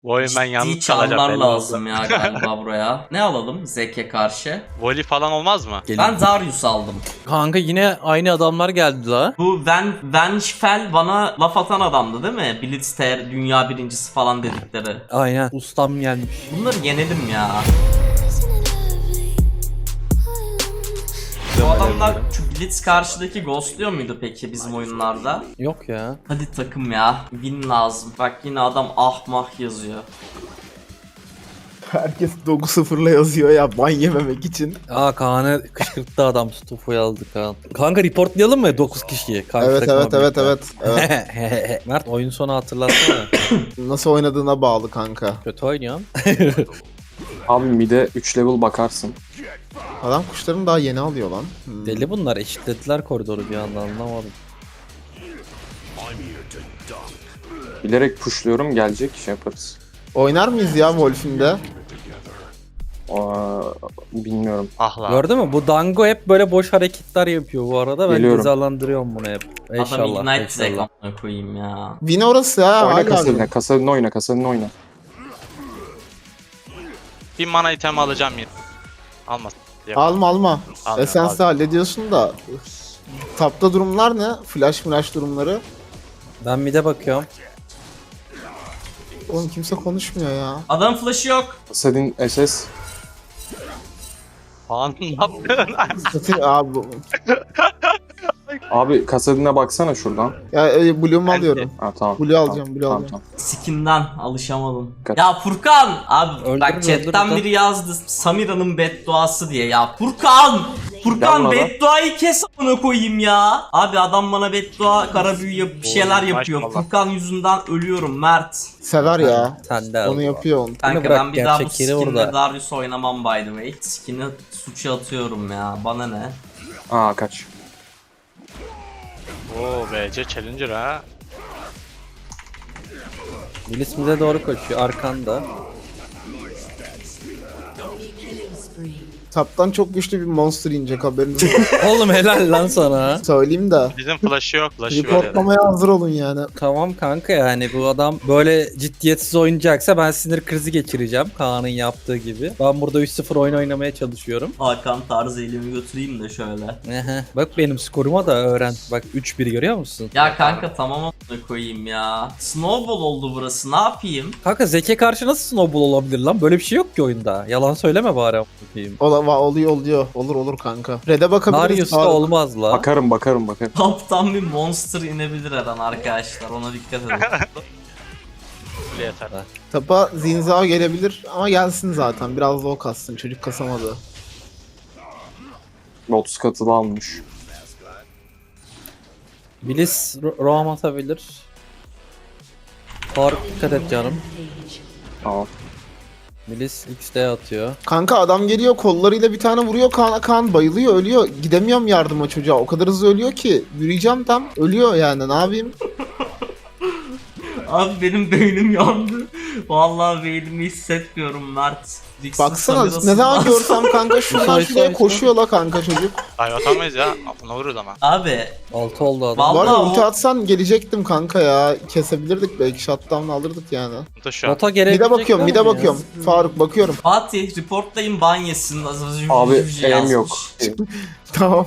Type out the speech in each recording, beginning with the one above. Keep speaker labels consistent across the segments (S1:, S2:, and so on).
S1: Bu oyun ben
S2: Ciddi
S1: yalnız
S2: çarlar
S1: kalacağım belli
S2: lazım
S1: oldu.
S2: ya galiba buraya. Ne alalım Zek'e karşı?
S1: Voli falan olmaz mı?
S2: Ben Darius aldım.
S3: Kanka yine aynı adamlar geldi la.
S2: Bu Vengefell bana laf atan adamdı değil mi? Blitzter dünya birincisi falan dedikleri.
S3: Aynen. Ustam gelmiş.
S2: Bunları yenelim ya. Bu adamlar şu Blitz karşıdaki ghostluyor muydu peki bizim oyunlarda?
S3: Yok ya.
S2: Hadi takım ya. Win lazım. Bak yine adam ahmah yazıyor.
S4: Herkes 9-0'la yazıyor ya ban yememek için.
S3: Aa Kaan'ı kışkırttı adam. Stufo'yu aldı Kaan. Kanka reportlayalım mı 9 kişiyi? Kanka,
S4: Evet
S3: takıma
S4: evet evet
S3: birlikte.
S4: evet.
S3: Mert oyun sonu hatırlatsana.
S4: Nasıl oynadığına bağlı kanka.
S3: Kötü oynuyorum.
S5: Abi mid'e 3 level bakarsın.
S4: Adam kuşlarını daha yeni alıyor lan.
S3: Deli bunlar eşitlediler koridoru bir anda anlamadım.
S5: Bilerek pushluyorum, gelecek şey yaparız.
S4: Oynar mıyız ya Wolf'inde?
S5: Bilmiyorum.
S1: Ah lan.
S3: Gördün mü? Bu Dango hep böyle boş hareketler yapıyor bu arada. Ben
S5: Geliyorum.
S3: cezalandırıyorum bunu hep.
S2: Adam
S3: İnşallah.
S2: Ignite Zek
S3: İnşallah.
S2: amına koyayım ya.
S4: Win orası ya.
S5: Oyna
S4: Hala
S5: kasadına,
S4: win.
S5: kasadına oyna, kasadına oyna.
S1: Bir mana item alacağım yine. Almaz.
S4: Alma alma.
S1: Almıyorum,
S4: Essence'de hallediyorsun da. Tapta durumlar ne? Flash durumları.
S3: Ben mid'e bakıyorum.
S4: Oğlum kimse konuşmuyor ya.
S2: Adam flash'ı yok.
S5: Kasadin SS.
S1: Falan ne yapıyorsun?
S4: Satın abi.
S5: Abi kasadine baksana şuradan.
S4: Ya Blue'umu alıyorum.
S5: Ha tamam.
S4: Blue alacağım,
S5: Tamam,
S4: Blue
S5: tamam,
S4: alacağım.
S5: tamam.
S2: Skin'den alışamadım.
S5: Kaç.
S2: Ya Furkan! Abi
S3: Öldürür,
S2: bak chatten
S3: öldürür.
S2: biri yazdı Samira'nın bedduası diye ya. Furkan! Furkan
S5: Yapma lan.
S2: bedduayı kes amına koyayım ya. Abi adam bana beddua kara büyü bir şeyler yapıyor.
S1: maşallah.
S2: Furkan yüzünden ölüyorum Mert.
S4: Sever ya.
S3: Sen de al.
S4: Onu yapıyor onu.
S2: Kanka
S3: bırak,
S2: ben bir daha bu
S3: gerçek yeri
S2: skinle
S3: orada.
S2: Darius oynamam by the way. Skin'i suça atıyorum ya. Bana ne?
S5: Aa kaç.
S1: Oo BC Challenger ha.
S3: Bilis mid'e doğru koşuyor arkanda.
S4: Taptan çok güçlü bir monster inecek haberiniz olsun.
S3: Oğlum helal lan sana.
S4: Söyleyeyim de.
S1: Bizim flash'ı yok. Flash'ı var ya.
S4: Reportlamaya hazır olun yani.
S3: Tamam kanka yani bu adam böyle ciddiyetsiz oynayacaksa ben sinir krizi geçireceğim Kaan'ın yaptığı gibi. Ben burada 3-0 oyun oynamaya çalışıyorum.
S2: Hakan tarzı elimi götüreyim de şöyle.
S3: Ehe. Bak benim skoruma da öğren. Bak 3-1 görüyor musun?
S2: Ya kanka tamam amına koyayım ya. Snowball oldu burası ne yapayım?
S3: Kanka Zeke karşı nasıl snowball olabilir lan? Böyle bir şey yok ki oyunda. Yalan söyleme bari a**ayım.
S4: Oluyor. Olur kanka. Red'e bakabiliriz.
S3: Darius'ta
S4: Faruk.
S3: olmaz la.
S5: Bakarım.
S2: Kaptan bir monster inebilir her an arkadaşlar ona dikkat edin.
S1: Bile yeter.
S4: Tapa Zinzao gelebilir ama gelsin zaten. Biraz da o kassın. Çocuk kasamadı.
S5: 30 katılı almış.
S3: Bilis roam atabilir. Faruk dikkat et canım.
S5: Tamam.
S3: Bilis XD atıyor.
S4: Kanka adam geliyor kollarıyla bir tane vuruyor Kaan bayılıyor ölüyor. Gidemiyorum yardıma çocuğa. O kadar hızlı ölüyor ki. Yürüyeceğim tam. Ölüyor yani ne yapayım?
S2: Abi benim beynim yandı. Vallahi beynimi hissetmiyorum Mert. Dixon
S4: Baksana
S2: Samira'sın
S4: ne zaman
S2: lan.
S4: görsem kanka şuradan
S3: Say,
S4: şuraya
S3: say,
S4: koşuyor la kanka çocuk.
S1: Ay atamayız ya. Ne vururuz ama.
S2: Abi
S3: 6 oldu adam.
S2: Vallahi
S4: Bu arada
S2: o-
S4: ulti atsan gelecektim kanka ya. Kesebilirdik belki shutdown'la alırdık yani.
S1: Bu da şu an.
S3: Bota gelebilecek
S4: Mide bakıyorum. Faruk bakıyorum.
S2: Fatih reportlayın ban yesin.
S5: Abi
S2: yazmış.
S5: elim yok.
S4: Tamam.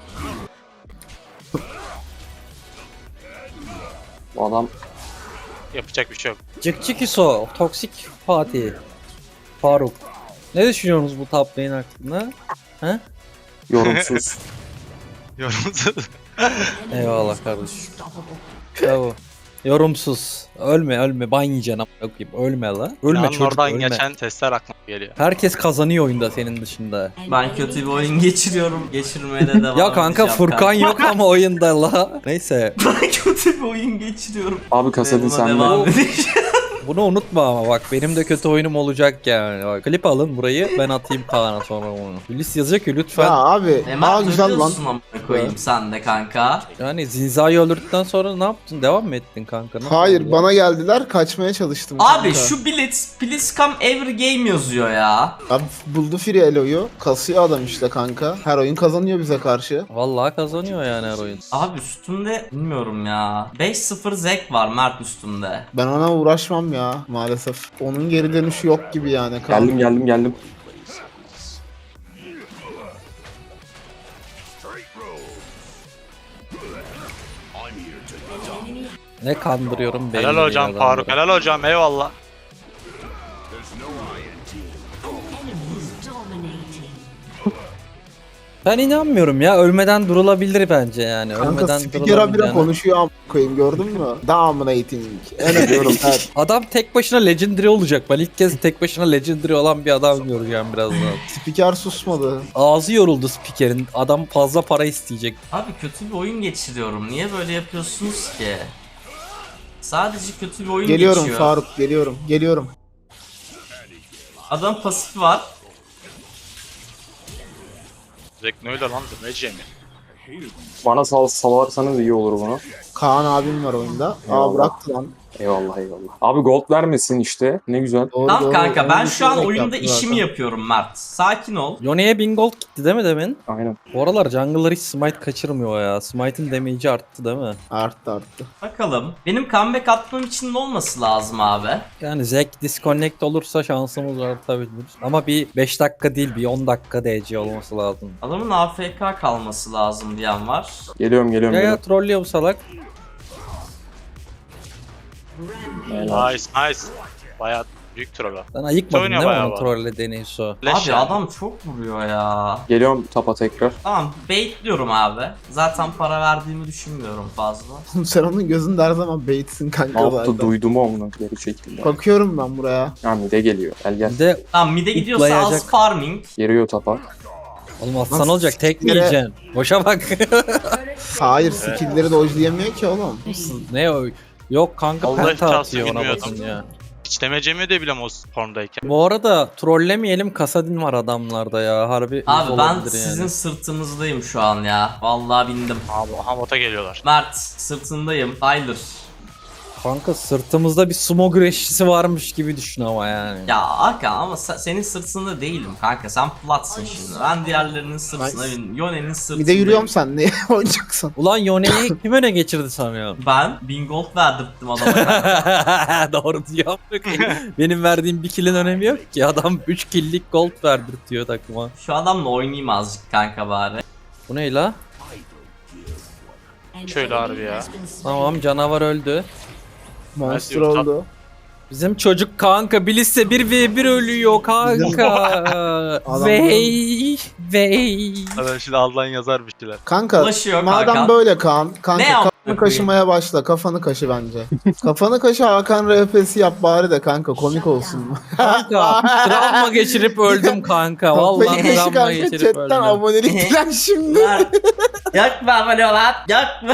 S5: Bu adam
S1: Yapacak bir şey yok.
S3: Cık cık iso. Toksik Fatih. Faruk. Ne düşünüyorsunuz bu top lane hakkında? He?
S5: yorumsuz.
S1: Yorumsuz.
S3: Eyvallah kardeşim. Bravo. Yorumsuz. Ölme. Ban yiyeceksin amına koyayım. Ölme la. Ölme
S1: Yalnız
S3: çocuk
S1: oradan
S3: ölme.
S1: geçen testler aklıma geliyor.
S3: Herkes kazanıyor oyunda senin dışında.
S2: Ben kötü bir oyun geçiriyorum. Geçirmeye de devam
S3: Ya kanka
S2: edeceğim
S3: Furkan
S2: kanka.
S3: yok ama oyunda la. Neyse.
S2: Ben kötü bir oyun geçiriyorum.
S5: Abi kasadin
S2: Buna
S5: sende.
S2: devam edeceğim.
S3: Bunu unutma ama bak benim de kötü oyunum olacak yani. Bak, klip alın burayı ben atayım Kaan'a sonra onu. Hülis yazacak ki lütfen.
S4: Ya abi.
S2: Hemen
S4: Güzel lan.
S2: ölüyorsun amına koyayım sen de kanka.
S3: Yani Zinza'yı öldürdükten sonra ne yaptın? Devam mı ettin kanka? Nasıl
S4: Hayır
S3: oldu?
S4: bana geldiler kaçmaya çalıştım
S2: Abi
S4: kanka.
S2: şu Blitz, please come every game yazıyor ya.
S4: Abi buldu Free Elo'yu. Kasıyor adam işte kanka. Her oyun kazanıyor bize karşı.
S3: Vallahi kazanıyor yani her oyun.
S2: Abi üstümde bilmiyorum ya. 5-0 Zek var Mert üstümde.
S4: Ben ona uğraşmam ya. ya maalesef. Onun geri dönüşü yok gibi yani. Kaan.
S5: Geldim.
S3: Ne kandırıyorum belli
S1: Helal
S3: değil
S1: hocam
S3: adamları.
S1: Faruk. Helal hocam eyvallah.
S3: Ben inanmıyorum ya. Ölmeden durulabilir bence yani.
S4: Kanka
S3: Ölmeden
S4: spiker habire
S3: durulabileceğine.
S4: konuşuyor amına koyayım gördün mü? Dominating. Diyorum. Evet.
S3: Adam tek başına legendary olacak. Ben ilk kez tek başına legendary olan bir adam göreceğim birazdan.
S4: Spiker susmadı.
S3: Ağzı yoruldu spikerin. Adam fazla para isteyecek.
S2: Abi kötü bir oyun geçiriyorum. Niye böyle yapıyorsunuz ki? Sadece kötü bir oyun
S4: Geliyorum
S2: geçiyor.
S4: Faruk geliyorum.
S2: Adam pasifi var.
S1: Zek ne öyle lan demece mi?
S5: Bana salarsanız iyi olur bunu.
S4: Kaan abim var oyunda.
S5: Eyvallah.
S4: Bıraktı lan.
S5: Eyvallah. Abi gold vermesin işte. Ne güzel.
S4: Doğru,
S2: Tamam
S4: doğru.
S2: kanka ben
S4: Onu
S2: şu an
S4: düşünerek
S2: oyunda
S4: yaptı
S2: işimi
S4: zaten.
S2: yapıyorum Mert. Sakin ol.
S3: Yone'ye 1000 gold gitti değil mi demin?
S5: Aynen.
S3: Bu aralar jungle'lar hiç smite kaçırmıyor ya. Smite'in damage'i arttı değil mi?
S4: Arttı.
S2: Bakalım. Benim comeback atmam için ne olması lazım abi?
S3: Yani Zek disconnect olursa şansımız artabilir. Ama bir 5 dakika değil bir 10 dakika DC olması lazım.
S2: Adamın AFK kalması lazım diyen var.
S5: Geliyorum.
S3: Ya trollüyor bu salak.
S5: Helal.
S1: Nice. Bayağı büyük troll o.
S3: Sen ayıkmadın
S1: Oynuyor
S3: değil mi
S1: bayağı
S3: onun
S1: bu.
S3: trollediğini Hüso?
S1: Leş
S2: Abi
S1: yani.
S2: adam çok vuruyor ya.
S5: Geliyorum tapa tekrar.
S2: Tamam baitliyorum abi. Zaten para verdiğimi düşünmüyorum fazla.
S4: Sen onun gözünde her zaman baitsin kanka
S5: Ne yaptı
S4: zaten.
S5: duydum onu geri çekildi.
S4: Bakıyorum ben buraya.
S5: Ya mide geliyor. Gel.
S3: Bir de
S2: Tamam mid'e gidiyorsa az
S3: Zıplayacak.
S2: farming.
S5: Geliyor tapa.
S3: oğlum atsan
S4: Nasıl
S3: olacak tek mi
S4: yere-
S3: yiyeceksin? Boşa bak.
S4: Hayır skill'leri dodge'layamıyor ki oğlum.
S3: Ne o? Yok kanka
S1: Allah
S3: penta
S1: şahsı
S3: atıyor ona
S1: bilmiyordum.
S3: bakın ya.
S1: Hiç demecemi de bilem o formdayken.
S3: Bu arada trollemeyelim Kasadin var adamlarda ya. Harbi
S2: Abi ben
S3: olabilir
S2: sizin
S3: yani.
S2: sırtınızdayım şu an ya. Vallahi bindim.
S1: Abi Hamot'a geliyorlar.
S2: Mert sırtındayım. Tyler.
S3: Kanka sırtımızda bir sumo güreşçisi varmış gibi düşün ama yani.
S2: Ya Hakan ama senin sırtında değilim kanka. Sen platsın şimdi. Ben diğerlerinin sırtına
S4: Nice.
S2: bindim. Yone'nin sırtındayım.
S4: Bir de yürüyorum sen ne oynayacaksın?
S3: Ulan Yone'yi kim öne geçirdi sanıyorsun?
S2: Ben 1000 gold verdirttim adama kanka.
S3: Doğru diyor. Benim verdiğim bir kill'in önemi yok ki. Adam 3 kill'lik gold verdirtiyor takıma.
S2: Şu adamla oynayayım azıcık kanka bari.
S3: Bu ne la?
S1: Şöyle harbi ya.
S3: Tamam canavar öldü.
S4: Monster
S1: diyorum,
S4: oldu.
S3: Bizim çocuk kanka Bliss'e 1v1 ölüyor kanka.
S4: Adam-
S3: Vey.
S1: Adam şimdi Allah'ın yazar bir şeyler.
S4: Kanka
S2: Ulaşıyor
S4: madem
S2: Hakan.
S4: böyle Kaan. Kanka
S2: Ne yaptın
S4: kafanı kaşımaya başla. Kafanı kaşı bence. Kafanı kaşı Hakan RP'si yap bari de kanka komik olsun.
S3: Kanka travma geçirip öldüm kanka. Vallahi
S4: Kafayı kaşı
S3: travma
S4: kanka
S3: geçirip
S4: chatten
S3: öldüm.
S4: abonelik dilen şimdi.
S2: Mert. Yakma abone ol lan. Yakma.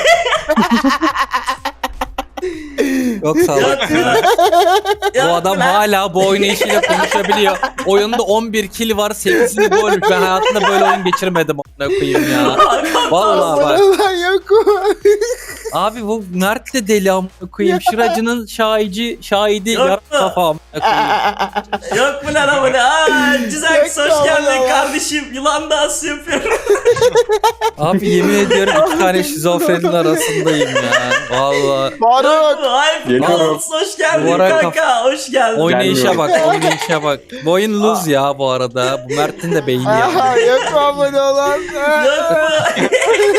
S3: Yok sağ ol. Bu adam hala bu oynayışıyla konuşabiliyor. Oyunda 11 kill var, 8'ini bu ölmüş. Ben hayatımda böyle oyun geçirmedim a**ına koyayım ya. Vallahi bak.
S4: Aboneler yok mu?
S3: Abi bu Mert de deli a**ına koyayım. Şıracının şahidi
S2: Yok
S3: yarım
S2: mu?
S3: kafa a**ına koyayım.
S2: Yok mu lan abone? Cizax
S4: Yok
S2: hoş geldin
S4: abone.
S2: kardeşim. Yılan dansı yapıyorum.
S3: Abi yemin ediyorum iki tane şizofrenin arasındayım ya. Vallahi.
S4: Faruk.
S2: Hayır.
S5: Geliyorum.
S2: Hoş geldin
S3: Duvara
S2: kanka. Hoş geldin.
S3: Oynayışa bak, oynayışa bak. Bu oyun lose ya bu arada. Bu Mert'in de beyni ya.
S4: Aha, yok mu abone olan?
S2: Yok mu?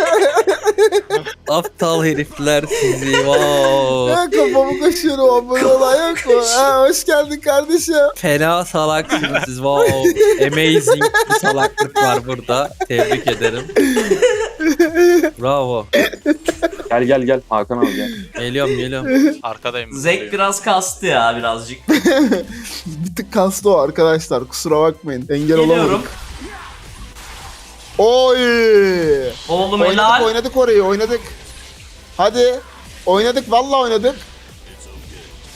S3: Aptal herifler sizi. Wow.
S4: Ya kafamı kaşıyorum abone olan yok mu? Ha, hoş geldin kardeşim.
S3: Fena salaksınız siz. Wow. Amazing bir salaklık var burada. Tebrik ederim. Bravo.
S5: Gel Hakan abi gel.
S3: Geliyorum.
S1: Arkadayım.
S2: Zek biraz kastı ya birazcık.
S4: Bir tık kastı o arkadaşlar kusura bakmayın. Engel
S2: Geliyorum.
S4: olamadık. Oy!
S2: Oğlum
S4: Oynadık
S2: helal.
S4: oynadık orayı oynadık. Hadi. Oynadık vallahi oynadık.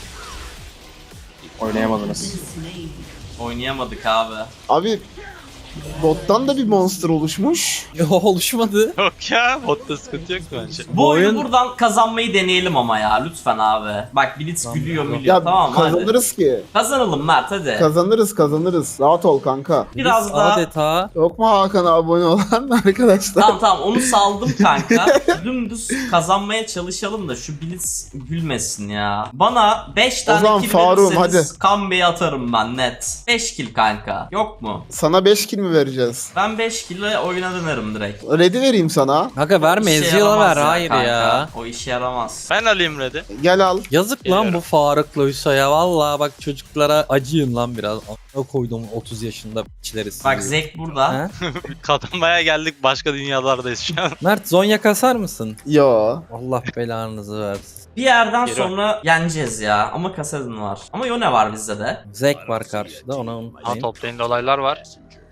S5: Oynayamadınız.
S2: Oynayamadık abi.
S4: Abi Bottan da bir monster oluşmuş.
S3: Oluşmadı.
S1: Yok ya, botta sıkıntı yok bence.
S2: Bu oyunu
S3: oyun-
S2: buradan kazanmayı deneyelim ama ya lütfen abi. Bak Blitz gülüyor
S4: Ya
S2: milyon tamam hadi.
S4: kazanırız ki.
S2: Kazanalım Mert hadi.
S4: Kazanırız. Rahat ol kanka.
S2: Biraz
S3: Biz
S2: daha.
S3: adeta
S4: Yok mu Hakan'a abone olan arkadaşlar?
S2: Tamam onu saldım kanka. Dümdüz kazanmaya çalışalım da şu Blitz gülmesin ya. Bana 5 tane
S4: zaman
S2: kill
S4: Faruk'um,
S2: verirseniz comeback'i atarım ben net. 5 kill kanka. Yok mu?
S4: Sana 5 kill mi vereceğiz?
S2: Ben 5 kill'e oyuna dönerim direkt.
S4: Ready vereyim sana.
S3: Kanka verme,
S2: İşe
S3: Ezreal'a
S2: yaramaz
S3: ver, hayır
S2: kanka.
S3: ya.
S2: O işe yaramaz.
S1: Ben alayım Red'i.
S4: Gel al.
S3: Yazık lan
S1: Geliyorum.
S3: bu Faruk'la Hüso'ya, valla bak çocuklara acıyın lan biraz. A**ına koydum 30 yaşında içleri sizi.
S2: Bak Zek burada.
S3: Ha?
S1: Kazanmaya geldik, başka dünyalardayız şu an.
S3: Mert Zonya kasar mısın?
S4: Yo.
S3: Allah belanızı versin.
S2: Bir yerden
S1: Geliyorum.
S2: sonra yeneceğiz ya. Ama Kasadin var. Ama Yone var bizde de.
S3: Zek var karşıda, ona
S1: Ha,
S3: unutmayın.
S1: top lane'de olaylar var.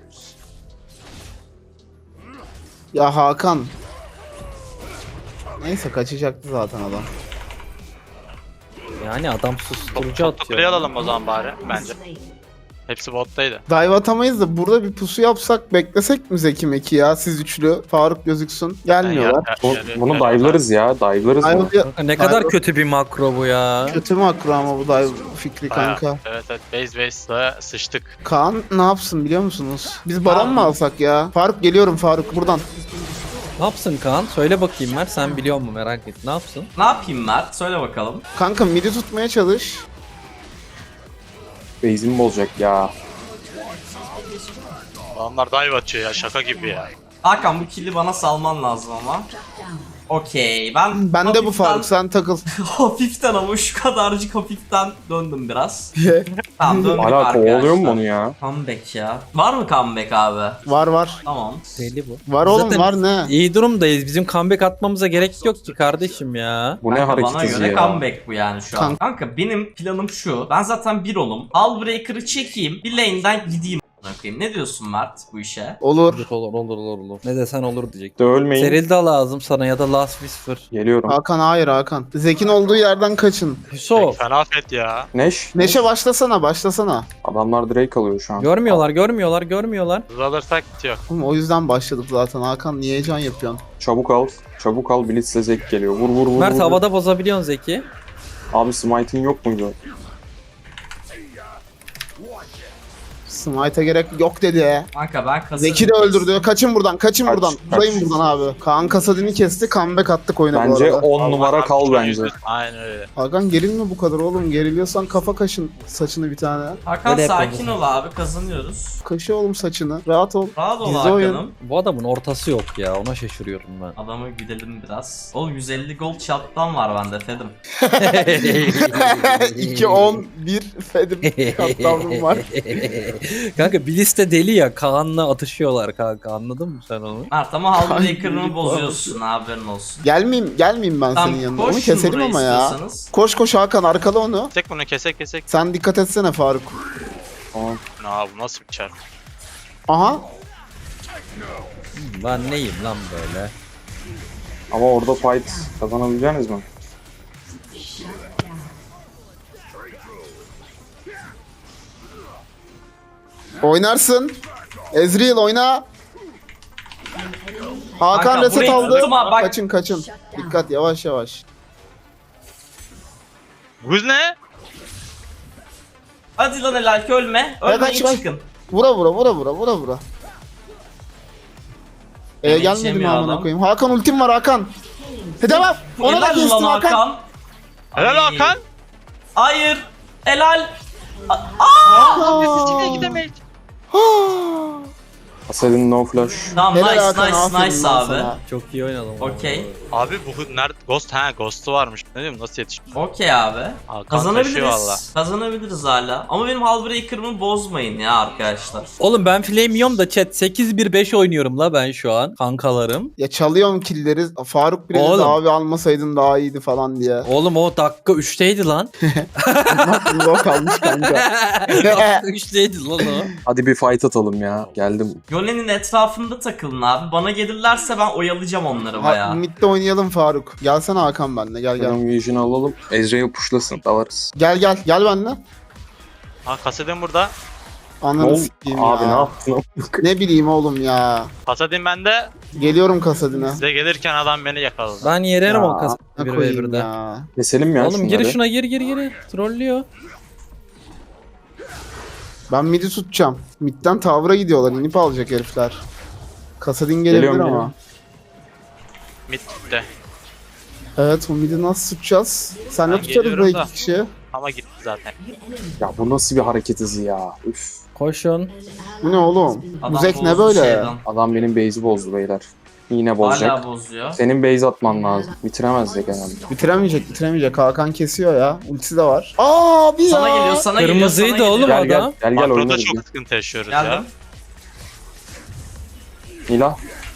S4: Ya Hakan. Neyse kaçacaktı zaten adam.
S3: Yani adam susturucu
S1: Top
S3: atıyor.
S1: kuleye alalım o zaman bari bence. Hepsi bottaydı.
S4: Dive atamayız da burada bir pusu yapsak beklesek mi Zeki Meki ya siz üçlü? Faruk gözüksün. Gelmiyorlar.
S5: Bunu dive'larız ya. Dive'larız mı?
S4: Dive
S3: Kanka ne kadar kötü bir makro bu ya.
S4: kötü makro ama bu dive fikri
S1: Bayağı.
S4: kanka.
S1: Evet base'la sıçtık.
S4: Kaan ne yapsın biliyor musunuz? Biz baron mu alsak ya? Faruk geliyorum Faruk buradan.
S3: Ne yapsın Kaan? Söyle bakayım Mert, sen biliyor musun, merak et. Ne yapsın?
S2: Ne yapayım Mert? Söyle bakalım.
S4: Kanka midi tutmaya çalış.
S5: Base'imi bozacak ya.
S1: Adamlar dive atıyor ya, şaka gibi ya.
S2: Hakan bu kill'i bana salman lazım ama. Okey ben
S4: Ben de bu
S2: hafiften-
S4: Faruk sen takıl.
S2: hafiften ama şu kadarcık hafiften döndüm biraz. Tamam döndük
S5: Hala
S2: arkadaşlar.
S5: kovalıyor mu onu ya?
S2: Comeback ya. Var mı comeback abi?
S4: var.
S2: Tamam.
S3: Deli bu.
S4: Var oğlum
S3: Zaten
S4: var ne?
S3: İyi durumdayız. Bizim comeback atmamıza gerek yok ki kardeşim ya.
S5: Bu ne
S2: Kanka,
S5: hareket
S2: bana
S5: hızı
S2: göre
S5: ya?
S2: comeback bu yani şu an. Kanka benim planım şu. Ben zaten bir olum. Hullbreaker'ı çekeyim. Bir lane'den gideyim. Bakayım. Ne diyorsun Mert bu işe?
S4: Olur.
S3: Olur. Ne desen olur diyecek.
S5: De ölmeyin.
S3: Serilda lazım sana ya da Last Whisper.
S5: Geliyorum.
S4: Hakan hayır Hakan. Zekin olduğu yerden kaçın.
S3: Hüso.
S1: Fena fet ya.
S5: Neş.
S4: Neşe başlasana.
S5: Adamlar Drake alıyor şu an.
S3: Görmüyorlar.
S1: Hız alırsak bitiyor.
S4: Oğlum, o yüzden başladık zaten Hakan niye heyecan yapıyorsun?
S5: Çabuk al. Blitz'le Zek geliyor. Vur.
S3: Mert
S5: vur.
S3: havada bozabiliyorsun Zeki.
S5: Abi smite'in yok muydu?
S4: Smite'a gerek yok dedi.
S2: Kanka ben Kasadin'i
S4: Zeki de öldürdü. Kaçın buradan.
S5: Kaç.
S4: Uzayın buradan abi. Kaan Kasadin'i kesti. Comeback attık oyuna bu
S5: Bence
S4: arada.
S5: 10 numara kal bence.
S1: Aynen öyle.
S4: Hakan gerilme bu kadar oğlum. Geriliyorsan kafa kaşın saçını bir tane.
S2: Hakan
S3: Böyle
S2: sakin
S3: yapalım.
S2: ol abi kazanıyoruz.
S4: Kaşı oğlum saçını. Rahat ol.
S2: Rahat ol
S4: Dizi
S2: Hakan'ım.
S4: oyun.
S3: Bu adamın ortası yok ya, ona şaşırıyorum ben.
S2: Adamı güdelim biraz. Oğlum 150 gold chat'tan var bende Fedim.
S4: 2 10 1 Fedim katlandım var.
S3: Kanka Bliss de deli ya, Kaan'la atışıyorlar kanka, anladın mı sen onu?
S2: Mert ama Hullbreaker'ını
S4: Kanka,
S2: bozuyorsun haberin olsun.
S4: Gelmeyeyim ben senin yanına. Onu
S2: koşun
S4: keselim
S2: buraya
S4: ama ya.
S2: istiyorsanız.
S4: Koş Hakan arkala onu.
S1: Kesek bunu kesek.
S4: Sen dikkat etsene Faruk.
S5: Tamam.
S1: Aa, bu nasıl bir çarp?
S4: Aha.
S3: Ben neyim lan böyle?
S5: Ama orada fight kazanabileceğiniz mi?
S4: Oynarsın. Ezreal oyna. Hakan
S2: Hakan,
S4: reset
S2: burayı
S4: aldı.
S2: tutma, bak.
S4: Kaçın. Dikkat yavaş.
S1: Buz ne?
S2: Hadi lan helal ki ölme. Ölmeyin
S4: kaç.
S2: çıkın.
S4: Vura. Gelmedi mi
S2: Yetişemiyor
S4: amına
S2: adam.
S4: koyayım? Hakan ultim var Hakan. Devam. Ona da
S2: Helal
S4: kestim
S2: lan
S4: Hakan.
S2: Hakan.
S1: Helal
S2: Ay.
S1: Hakan.
S2: Hayır. Helal.
S1: Gidemeyiz.
S5: Asel'in no flash.
S2: Tamam
S4: Helal
S2: nice
S4: Hakan, aferin
S2: nice
S4: lan
S2: abi.
S4: sana.
S3: Çok iyi oynadım.
S2: Okey.
S1: Abi bu nerede? Ghost'u varmış. Ne diyeyim, nasıl yetişti?
S2: Okey abi.
S1: Hakan taşıyor valla.
S2: Kazanabiliriz hala. Ama benim Hullbreaker'ımı bozmayın ya arkadaşlar.
S3: Oğlum ben flame yiyorum da chat 8-1-5 oynuyorum la ben şu an kankalarım.
S4: Ya çalıyorum killleri. Faruk bile dedi
S3: Oğlum.
S4: abi almasaydın daha iyiydi falan diye.
S3: Oğlum o dakika 3'teydi lan.
S4: Aklımda o kalmış kanka.
S3: Dakika 3'teydi lan o.
S5: Hadi bir fight atalım ya. Geldim.
S2: Yone'nin etrafında takılın abi. Bana gelirlerse ben oyalayacağım onları
S4: Ha,
S2: bayağı.
S4: midde oynayalım Faruk. Gelsene Hakan benimle gel.
S5: Benim vision'ı alalım. Ezreal pushlasın. Dalarız.
S4: Gel benimle.
S1: Ha, Kasedin burada.
S4: Ananı sikeyim
S5: Abi ne
S4: ya.
S5: yaptın?
S4: Ne bileyim oğlum ya.
S1: Pasadin bende.
S4: Geliyorum kasadine.
S1: Size gelirken adam beni yakaladı.
S3: Ben yererim o
S4: Ya,
S3: kasayı
S4: ne
S3: bir
S4: koyayım
S3: ve
S4: ya.
S5: Keselim ya
S3: Oğlum gir
S5: şunları.
S3: şuna gir. Trollüyor.
S4: Ben mid'i tutacağım. Mid'den tower'a gidiyorlar. İnip alacak herifler. Kasadin gelebilir
S5: Geliyorum,
S4: ama.
S5: geliyorum.
S1: Mid'de.
S4: Evet, bu mid'i nasıl tutacağız? Senle
S1: Ben
S4: tutarız
S1: geliyorum
S4: bu
S1: da.
S4: iki kişi.
S1: Ama gitti zaten.
S5: Ya bu nasıl bir hareket hızı ya? Üf.
S3: Koşun.
S4: Bu ne oğlum?
S2: Adam
S4: Bu zek ne
S2: bozdu
S4: böyle?
S2: şeyden.
S5: Adam benim base'i bozdu beyler. Yine bozacak.
S2: Hala bozuyor.
S5: Senin base atman lazım. Bitiremez Zek herhalde.
S4: Bitiremeyecek. Hakan kesiyor ya. Ultisi de var. Abi ya.
S2: Sana geliyor, sana geliyor.
S3: Kırmızıydı
S2: sana
S3: oğlum.
S2: geliyor.
S5: Gel
S3: adam.
S5: gel
S1: Makroda
S5: oynarız.
S1: çok sıkıntı yaşıyoruz
S2: Geldim.
S1: ya.
S5: Nila.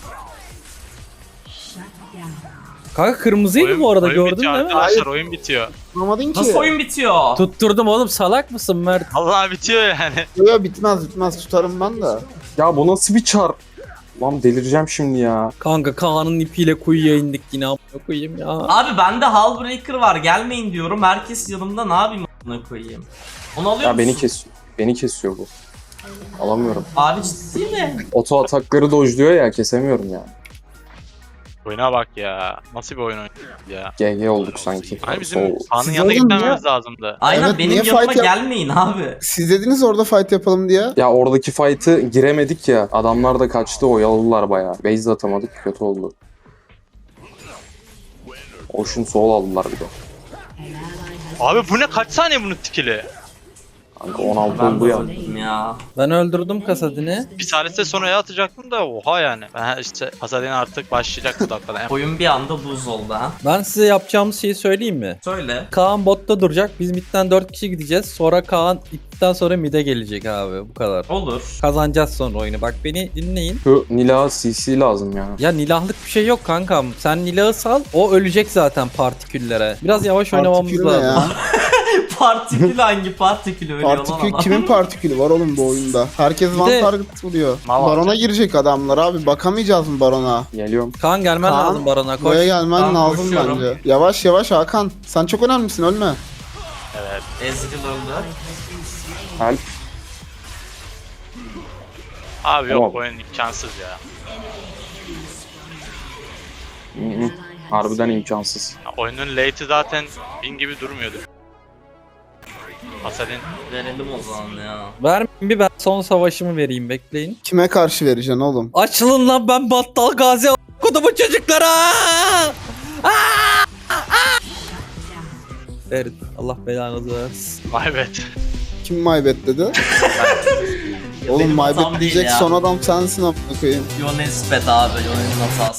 S3: Kanka kırmızıydı bu arada, gördün
S1: bitiyor
S3: değil mi?
S1: arkadaşlar, oyun bitiyor.
S4: Anlamadın ki.
S2: Nasıl oyun bitiyor?
S3: Tutturdum oğlum, salak mısın Mert?
S1: Allah bitiyor yani.
S4: Yo, bitmez. Tutarım ben de.
S5: Ya bu nasıl bir çar? Lan delireceğim şimdi ya.
S3: Kanka Kaan'ın ipiyle kuyuya indik yine, amına koyayım ya.
S2: Abi bende Hullbreaker var, gelmeyin diyorum. Herkes yanımda, ne yapayım a**ına koyayım. Onu alıyor
S5: Ya
S2: musun?
S5: beni kesiyor. Beni kesiyor bu. Alamıyorum.
S2: Abi ciddi mi?
S5: Oto atakları dojluyor ya, kesemiyorum ya.
S1: Oyuna bak ya. Nasıl bir oyun oynuyor ya.
S5: GG olduk sanki.
S1: Hani bizim
S5: Oo.
S1: Kaan'ın
S4: Siz
S1: yanına
S4: oğlum
S1: gitmememiz lazımdı.
S2: Aynen,
S4: Evet,
S2: benim
S4: niye
S2: yanıma
S4: fight yap-
S2: gelmeyin abi.
S4: Siz dediniz orada fight yapalım diye.
S5: Ya oradaki fight'ı giremedik ya. Adamlar da kaçtı, oyaladılar bayağı. Base de atamadık, kötü oldu. Ocean Soul aldılar bir de.
S1: Abi bu ne, kaç saniye bunun tikili?
S5: Kanka 16
S2: Ben
S5: oldu ya.
S2: de ya.
S3: Ben öldürdüm Kasadin'i.
S1: Bir salise sonraya atacaktım da oha yani. Ben işte Pasadin artık başlayacak bu dakikada.
S2: Oyun bir anda buz oldu ha.
S3: Ben size yapacağımız şeyi söyleyeyim mi?
S2: Söyle.
S3: Kaan botta duracak. Biz midden 4 kişi gideceğiz. Sonra Kaan ipten sonra mid'e gelecek abi. Bu kadar.
S2: Olur.
S3: Kazanacağız sonra oyunu. Bak beni dinleyin.
S5: Şu Nila CC lazım ya.
S3: Ya nilahlık bir şey yok kankam. Sen nilahı sal. O ölecek zaten partiküllere. Biraz yavaş oynamamız
S4: Partikül ne
S3: lazım.
S4: ya?
S2: Partikül hangi partikül ölüyor lan
S4: Partikül
S2: adam?
S4: kimin partikülü var oğlum bu oyunda? Herkes
S3: Bir
S4: one
S3: de-
S4: target vuruyor.
S1: Mal
S4: Barona
S1: alacak.
S4: girecek adamlar abi. Bakamayacağız mı Barona?
S5: Geliyorum.
S3: Kaan gelmen
S4: Kaan,
S3: lazım Baron'a. Koş.
S4: Buraya gelmen
S2: Tamam,
S4: lazım
S2: koşuyorum.
S4: bence. Yavaş Hakan. Sen çok önemlisin, ölme.
S1: Evet.
S2: Ezreal öldü.
S5: Help.
S1: Abi yok,
S5: Tamam.
S1: oyun imkansız ya.
S5: Hı hı. Harbiden imkansız.
S1: Ya oyunun late'i zaten 1000 gibi durmuyordu. Pasadin
S2: Verelim o zaman ya.
S3: Vermeyin bir, ben son savaşımı vereyim, bekleyin.
S4: Kime karşı vereceksin oğlum?
S3: Açılın lan, ben battal gazi kodumu çocuklara. Ferit, Allah belanızı versin.
S1: maybet.
S4: Kim maybet dedi? Oğlum
S2: Benim hatam
S4: maybet
S2: değil
S4: diyecek
S2: ya.
S4: son adam sensin amına koyayım.
S2: Yones bet abi. Yones'in hatası.